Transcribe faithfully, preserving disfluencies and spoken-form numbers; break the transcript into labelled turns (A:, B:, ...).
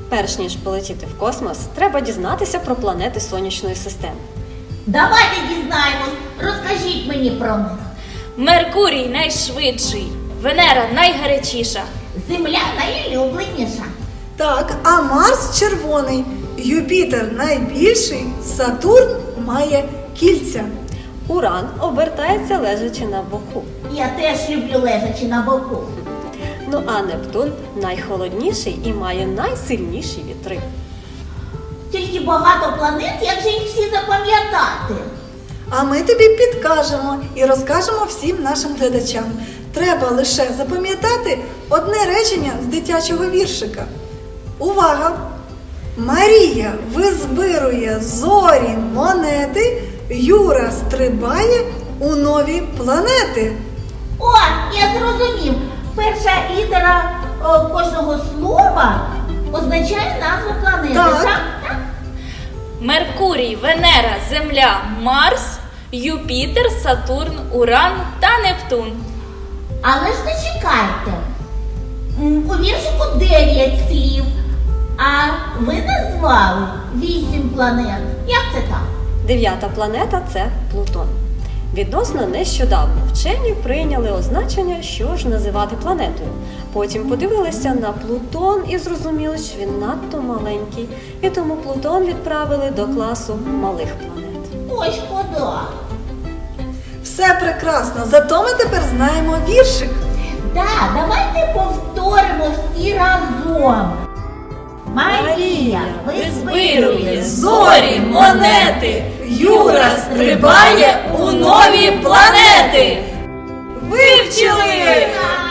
A: Перш ніж полетіти в космос, треба дізнатися про планети Сонячної системи.
B: Давайте дізнаємось, розкажіть мені про них.
C: Меркурій найшвидший, Венера найгарячіша.
B: Земля найулюбленіша.
D: Так, а Марс червоний, Юпітер найбільший, Сатурн має кільця.
A: Уран обертається лежачи на боку.
B: Я теж люблю лежачи на боку.
A: Ну а Нептун найхолодніший і має найсильніші вітри.
B: Тільки багато планет, як же їх всі запам'ятати?
D: А ми тобі підкажемо і розкажемо всім нашим глядачам. Треба лише запам'ятати одне речення з дитячого віршика. Увага! Марія визбирує зорі монети, Юра стрибає у нові планети.
B: О, я зрозумів. Перша літера о, кожного слова означає назву планети.
D: Так.
B: Так? Так?
C: Меркурій, Венера, Земля, Марс, Юпітер, Сатурн, Уран та Нептун.
B: Але ж зачекайте. М, У віршику дев'ять слів, а ви назвали вісім планет. Як це так?
A: Дев'ята планета – це Плутон. Відносно нещодавно вчені прийняли означення, що ж називати планетою. Потім подивилися на Плутон і зрозуміли, що він надто маленький. І тому Плутон відправили до класу малих планет.
B: Ой, шкода.
D: Все прекрасно, зато ми тепер знаємо віршик.
B: Так, давайте повторимо всі разом. Марія визбирує
C: зорі, монети, Юра стрибає у нові планети. Вивчили!
B: Так.